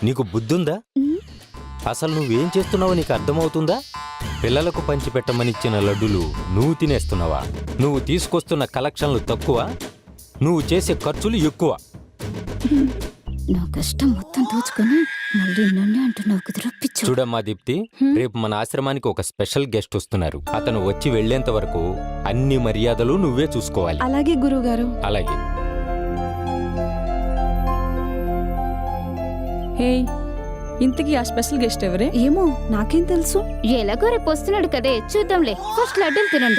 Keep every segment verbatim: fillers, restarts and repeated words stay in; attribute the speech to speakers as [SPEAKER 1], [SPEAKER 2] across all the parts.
[SPEAKER 1] నీకు బుద్ధుందా? అసలు నువ్వేం చేస్తున్నావో నీకు అర్థమవుతుందా? పిల్లలకు పంచిపెట్టమనిచ్చిన లడ్డులు నువ్వు తినేస్తున్నావా? నువ్వు తీసుకొస్తున్న కలెక్షన్లు తక్కువ, నువ్వు చేసే ఖర్చులు ఎక్కువ.
[SPEAKER 2] నా కష్టం మొత్తం దోచుకొని మళ్ళీ నన్నే అంటున్నావు కుదురు పిచ్చు.
[SPEAKER 1] చూడమ్మా దీప్తి, రేపు మన ఆశ్రమానికి ఒక స్పెషల్ గెస్ట్ వస్తున్నారు. అతను వచ్చి వెళ్లేంత వరకు అన్ని మర్యాదలు నువ్వే చూసుకోవాలి.
[SPEAKER 3] అలాగే గురువుగారు.
[SPEAKER 1] అలాగే.
[SPEAKER 3] హే, ఇంతకీ ఆ స్పెషల్ గెస్ట్ ఎవరే? ఏమో నాకేం తెలుసు.
[SPEAKER 2] ఎలాగో రేపు వస్తున్నాడు కదే, చూద్దాంలే. ఫస్ట్ లడ్డూలు తినండి.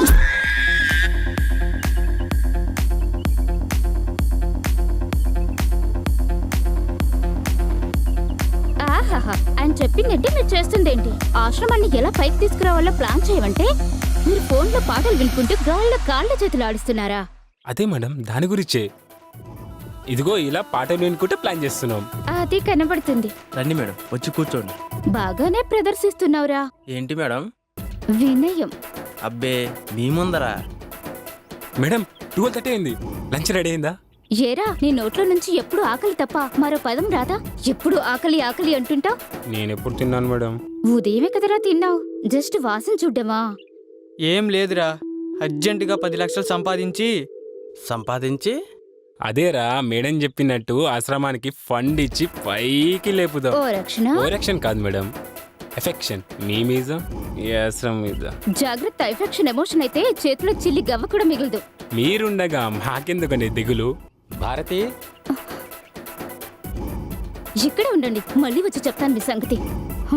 [SPEAKER 2] ఆహాహా, ఆయన చెప్పిందేంటి, మీరు చేస్తుందేంటి? ఆశ్రమాన్ని ఎలా పైకి తీసుకురావాలో ప్లాన్ చేయమంటే మీరు ఫోన్లో పాటలు వినుకుంటూ గాల్లో కాళ్ళ చేతులు ఆడిస్తున్నారా?
[SPEAKER 4] అదే మేడం, దాని గురించే. ఇదిగో ఇలా పాటలు వినుకుంటే ప్లాన్ చేస్తున్నాం.
[SPEAKER 2] అది కనబడుతుంది.
[SPEAKER 5] రండి మేడం, వచ్చి కూర్చోండి.
[SPEAKER 2] బాగానే ప్రదర్శిస్తున్నావురా.
[SPEAKER 5] ఏంటి మేడం?
[SPEAKER 2] వినయం.
[SPEAKER 5] అబ్బే, మీ ముందరా?
[SPEAKER 4] మేడం, ట్వెల్వ్ థర్టీ అయింది. లంచ్ రెడీ అయిందా?
[SPEAKER 2] ఏరా, నీ నోట్లో నుంచి ఎప్పుడు ఆకలి తప్ప మరో పదం రాదా? ఎప్పుడు ఆకలి ఆకలి అంటుంటావు.
[SPEAKER 4] నేనెప్పుడు తిన్నాను మేడం?
[SPEAKER 2] ఉదయమే కదరా తిన్నావు, జస్ట్ వాసన చూడ్డమా?
[SPEAKER 6] ఏం లేదురా, అర్జెంటుగా పది లక్షలు సంపాదించి
[SPEAKER 5] సంపాదించి
[SPEAKER 4] అదేరా మేడం చెప్పినట్టు ఆశ్రమానికి ఫండ్ ఇచ్చి పైకి లేపుదాం.
[SPEAKER 2] ఓ రక్షణ.
[SPEAKER 4] ఓ రక్షణ కాదు మేడం, ఎఫెక్షన్. మీ మీద, ఈ ఆశ్రమం మీద.
[SPEAKER 2] జాగ్రత్త, ఎఫెక్షన్ ఎమోషన్ అయితే చేతిలో చిల్లి గవ్వ కూడా మిగలదు.
[SPEAKER 4] మీరుండగా మాకెందుకండి దిగులు?
[SPEAKER 1] భారతి,
[SPEAKER 2] ఇక్కడే ఉండండి, మళ్ళీ వచ్చి చెప్తాను మీ సంగతి. హ.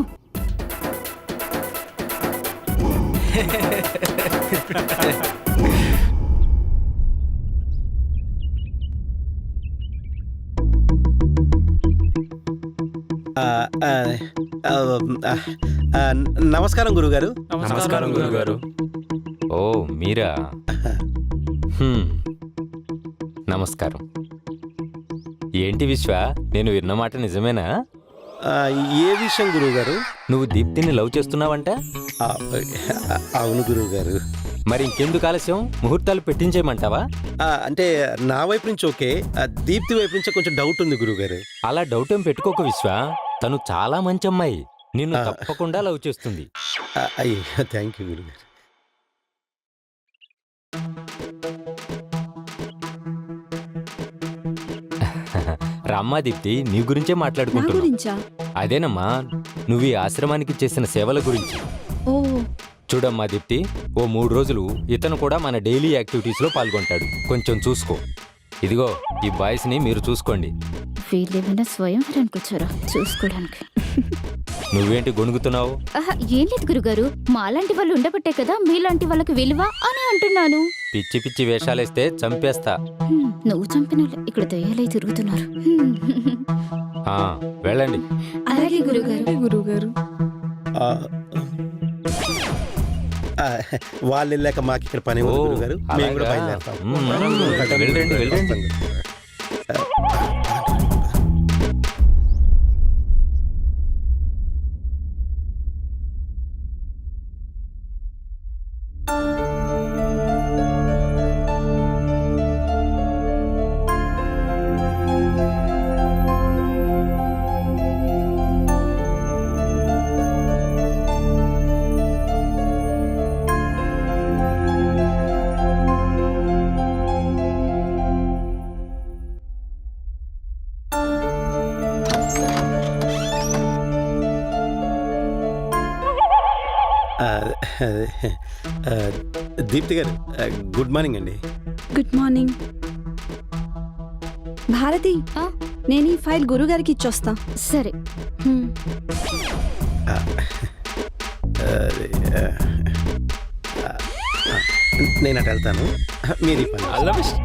[SPEAKER 7] నమస్కారం గురుగారు.
[SPEAKER 4] నమస్కారం గురుగారు.
[SPEAKER 1] ఓ మీరా? హ్మ్. నమస్కారం. ఏంటి విశ్వ, నేను విన్న మాట నిజమేనా?
[SPEAKER 7] ఏ విషయం గురువుగారు?
[SPEAKER 1] నువ్వు దీప్తిని లవ్ చేస్తున్నావంట?
[SPEAKER 7] అవును గురువుగారు.
[SPEAKER 1] మరి ఇంకెందుకు ఆలస్యం, ముహూర్తాలు పెట్టించేయమంటావా?
[SPEAKER 7] అంటే నా వైపు నుంచి ఓకే, దీప్తి వైపు నుంచి కొంచెం డౌట్ ఉంది గురువుగారు.
[SPEAKER 1] అలా డౌట్ ఏం పెట్టుకోక విశ్వ, తను చాలా మంచి అమ్మాయి, నిన్ను తప్పకుండా లవ్ చేస్తుంది.
[SPEAKER 7] అయ్యో, థ్యాంక్ యూ గురుగారు.
[SPEAKER 1] రామ్మా దీప్తి, నీ గురించే మాట్లాడుకుంటున్నా.
[SPEAKER 3] గురించా?
[SPEAKER 1] అదేనమ్మా, నువ్వు ఈ ఆశ్రమానికి చేసిన సేవల గురించి.
[SPEAKER 3] ఓ,
[SPEAKER 1] చూడమ్మా దీప్తి, ఓ మూడు రోజులు ఇతను కూడా మన డైలీ యాక్టివిటీస్ లో పాల్గొంటాడు. కొంచెం చూసుకో. ఇదిగో ఈ బాయ్స్ ని మీరు చూసుకోండి.
[SPEAKER 2] వీళ్ళేమైనా స్వయంవరానికి వచ్చారా చూసుకోవడానికి?
[SPEAKER 1] నువ్వేంటి గొణుగుతున్నావు?
[SPEAKER 2] ఆహా, ఏం లేదు గురుగారు, మాలాంటి వాళ్ళు ఉండబట్టే కదా మీలాంటి వాళ్ళకి విలువ అని అంటున్నాను.
[SPEAKER 1] పిచ్చి పిచ్చి వేషాలేస్తే చంపేస్తా.
[SPEAKER 2] హ్మ్, నువ్వు చంపిన వాళ్ళే ఇక్కడ దయ్యాలై తిరుగుతున్నారు. హ్మ్.
[SPEAKER 1] ఆ, వెళ్ళండి.
[SPEAKER 2] అలాగే గురుగారు.
[SPEAKER 3] గురువుగారు.
[SPEAKER 7] వాళ్ళు వెళ్ళాక మాకు ఇక్కడ పని ఉంది గురుగారు. మేము కూడా బయలుదేరుతాం.
[SPEAKER 1] మ్మ్. వెళ్ళండి, వెళ్ళండి.
[SPEAKER 7] దీప్తి గారు, గుడ్ మార్నింగ్ అండి.
[SPEAKER 3] Good morning. భారతి,
[SPEAKER 2] ఆ?
[SPEAKER 3] నేను ఈ ఫైల్ గురుగారికి ఇచ్చొస్తా.
[SPEAKER 2] సరే.
[SPEAKER 3] హ్మ్.
[SPEAKER 7] నేను అటు వెళ్తాను, మీరు ఈ పని.
[SPEAKER 4] All the best.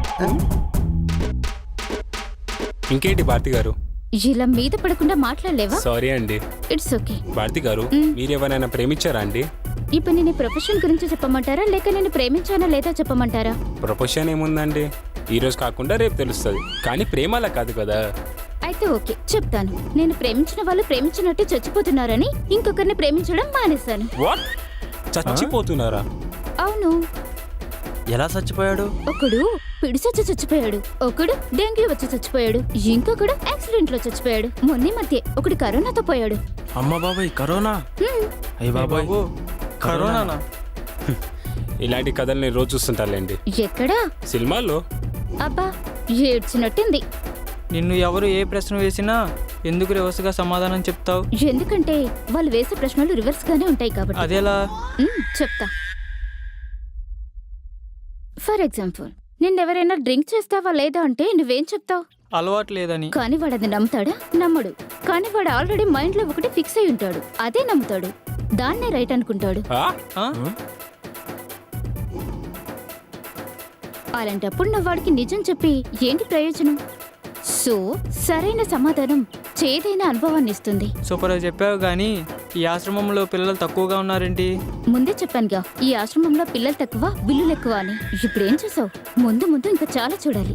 [SPEAKER 4] ఇంకేంటి భారతి గారు?
[SPEAKER 2] ఇలా మీద పడకుండా మాట్లాడలేవా?
[SPEAKER 4] సారీ అండి.
[SPEAKER 2] It's okay.
[SPEAKER 4] భారతి గారు, మీరెవరైనా ప్రేమించారా అండి?
[SPEAKER 2] ఇప్పుడు నేను ప్రొఫెషన్ గురించి చెప్పమంటారా, లేక నేను ప్రేమించానా లేదా చెప్పమంటారా?
[SPEAKER 4] ప్రొఫెషన్ ఏముందండి, ఈ రోజు కాకుండా రేపు తెలుస్తుంది. కానీ ప్రేమ అలా కాదు కదా.
[SPEAKER 2] అయితే ఓకే, చెప్తాను. నేను ప్రేమించిన వాళ్ళు ప్రేమించినట్టు చచ్చిపోతున్నారని ఇంకొకరిని ప్రేమించడం మానేశాను.
[SPEAKER 4] వాట్? చచ్చిపోతున్నారా?
[SPEAKER 2] అవును.
[SPEAKER 5] ఎలా చచ్చిపోయాడు?
[SPEAKER 2] ఒకడు పిడిసొచ్చి చచ్చిపోయాడు, ఒకడు డెంగ్యూ వచ్చి చచ్చిపోయాడు, ఇంకొకడు యాక్సిడెంట్ లో చచ్చిపోయాడు. మొన్న మధ్య ఒకడు కరోనాతో పోయాడు.
[SPEAKER 5] అమ్మ బాబాయ్ కరోనా.
[SPEAKER 2] హ్మ్.
[SPEAKER 5] అయ్య బాబాయ్
[SPEAKER 6] బాబు కరోనానా?
[SPEAKER 4] ఇలాంటి కథలు నేను రోజు చూస్తుంటానులేండి
[SPEAKER 2] ఎక్కడా?
[SPEAKER 4] సినిమాల్లో.
[SPEAKER 2] అబ్బా ఏడ్చినట్టుంది.
[SPEAKER 6] నిన్ను ఎవరు ఏ ప్రశ్న వేసినా ఎందుకు రివర్స్గా సమాధానం చెప్తావు?
[SPEAKER 2] ఎందుకంటే వాళ్ళు వేసే ప్రశ్నలు రివర్స్ గానే ఉంటాయి కాబట్టి.
[SPEAKER 6] అదేలా?
[SPEAKER 2] మ్మ్, చెప్తా. ఫర్ ఎగ్జాంపుల్, నిన్నెవరైనా డ్రింక్ చేస్తావా లేదా అంటే నువ్వేం చెప్తావు?
[SPEAKER 6] అలవాటు లేదని.
[SPEAKER 2] కానీ వాడు అది నమ్ముతాడా? నమ్మడు. కానీ వాడు ఆల్రెడీ మైండ్ లో ఒకటి ఫిక్స్ అయి ఉంటాడు, అదే నమ్ముతాడు, దాన్నే రైట్ అనుకుంటాడు.
[SPEAKER 4] ఆ?
[SPEAKER 6] ఆ?
[SPEAKER 2] అలాంటప్పుడు నువ్వు వాడికి నిజం చెప్పి ఏంటి ప్రయోజనం? సో సరైన సమాధానం చేదైన అనుభవాన్ని ఇస్తుంది.
[SPEAKER 6] సూపర్గా చెప్పావు, కానీ ఈ ఆశ్రమంలో పిల్లలు తక్కువగా ఉన్నారేంటి?
[SPEAKER 2] ముందే చెప్పానుగా, ఈ ఆశ్రమంలో పిల్లలు తక్కువ బిల్లులు ఎక్కువ అని. ఇప్పుడేం చూసావు? ముందు ముందు ఇంకా చాలా చూడాలి.